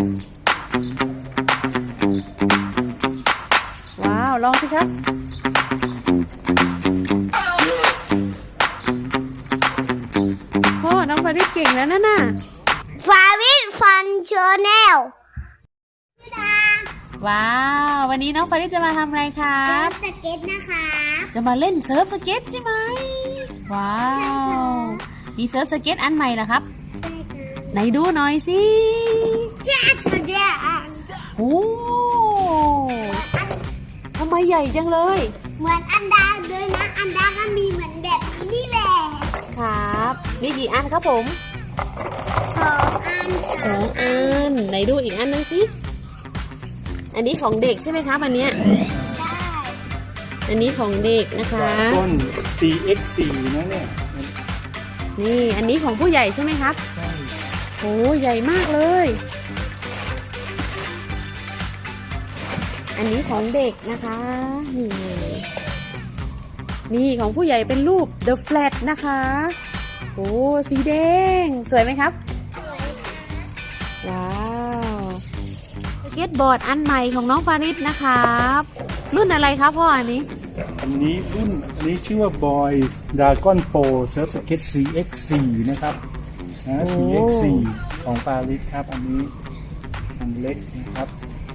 ว้าวลองสิครับพ่อน้องฟาริสเก่งแล้วนะน่ะฟาวิทฟันชาแนลว้าววันนี้น้องฟาริสจะมาทำอะไรครับสเก็ตนะคะจะมาเล่นเซิร์ฟสเก็ตใช่ไหมว้าวมีเซิร์ฟสเก็ตอันใหม่เหรอครับไหนดูหน่อยสิโอ้ทำไมใหญ่จังเลยเหมือนอันดาเลยนะอันดาก็มีเหมือนแบบนี้แหละครับมีกี่อันครับผม 2 อันไหนดูอีกอันนึงสิอันนี้ของเด็กใช่ไหมครับอันเนี้ยอันนี้ของเด็กนะคะต้น CX4 นะเนี่ยนี่อันนี้ของผู้ใหญ่ใช่ไหมครับโอ้ใหญ่มากเลยอันนี้ของเด็กนะคะนี่ของผู้ใหญ่เป็นรูป The Flat นะคะโอ้สีแดงสวยไหมครับว้าวสเก็ตบอร์ดอันใหม่ของน้องฟาริสนะครับรุ่นอะไรครับพ่ออันนี้ชื่อว่า Boys Dragon Pro Surf Skate CX4 นะครับCX4 ของฟาริสครับอันนี้อันเล็กนะครับ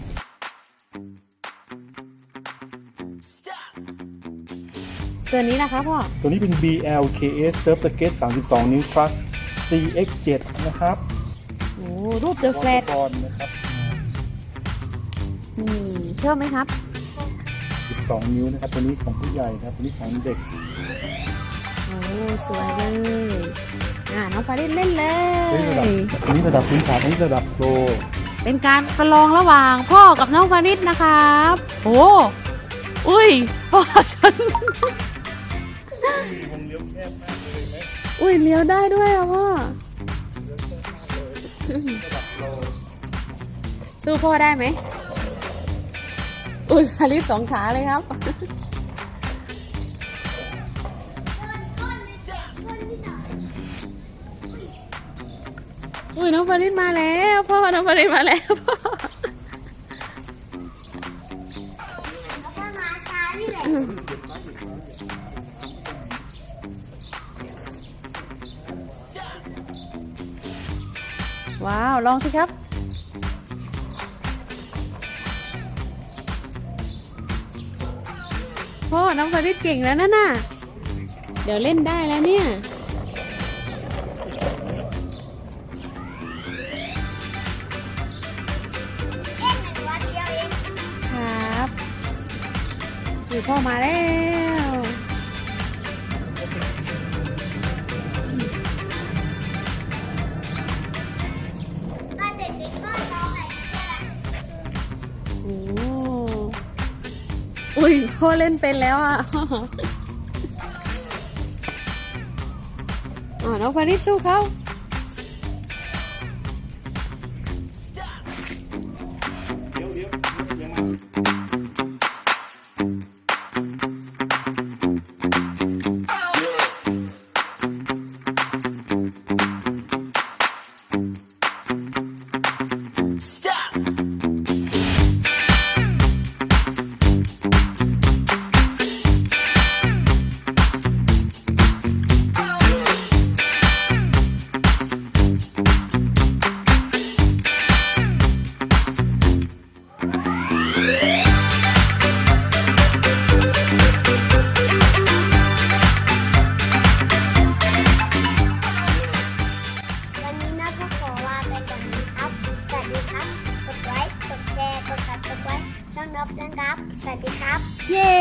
ตัวนี้นะคะพ่อตัวนี้เป็น BLKS Surf Skate 32 นิ้ว Plus CX7 นะครับโอ้รูป The Flat นะครับชอบไหมครับ 12 นิ้วนะครับตัวนี้ของผู้ใหญ่ครับตัวนี้ของเด็กโอ้สวยเลยน้องฟาริสเล่นเลยอันนี้ระดับพื้นฐานอันนี้ระดับโปรเป็นการประลองระหว่างพ่อกับน้องฟาริสนะครับโอ้อุ้ยพ่อฉันอุ้ยเลี้ยวได้ด้วยอ่ะพ่อสู้พ่อได้ไหมอุ้ยฟาริส2 ขาเลยครับอุ้ยน้องฟาริสมาแล้วพ่อน้องฟาริสมาแล้วพ่อว้าวลองสิครับพ่อน้องฟาริสเก่งแล้วนะน่ะเดี๋ยวเล่นได้แล้วเนี่ยครับอยู่พ่อมาแล้วอุ้ยพ่อเล่นเป็นแล้วอ่ะน้องฟาริสสู้เขาช่องนบนะครับสวัสดีครับเย้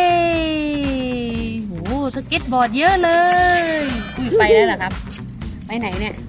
โหสเก็ตบอร์ดเยอะเลยไปแล้วเหรอครับไปไหนเนี่ย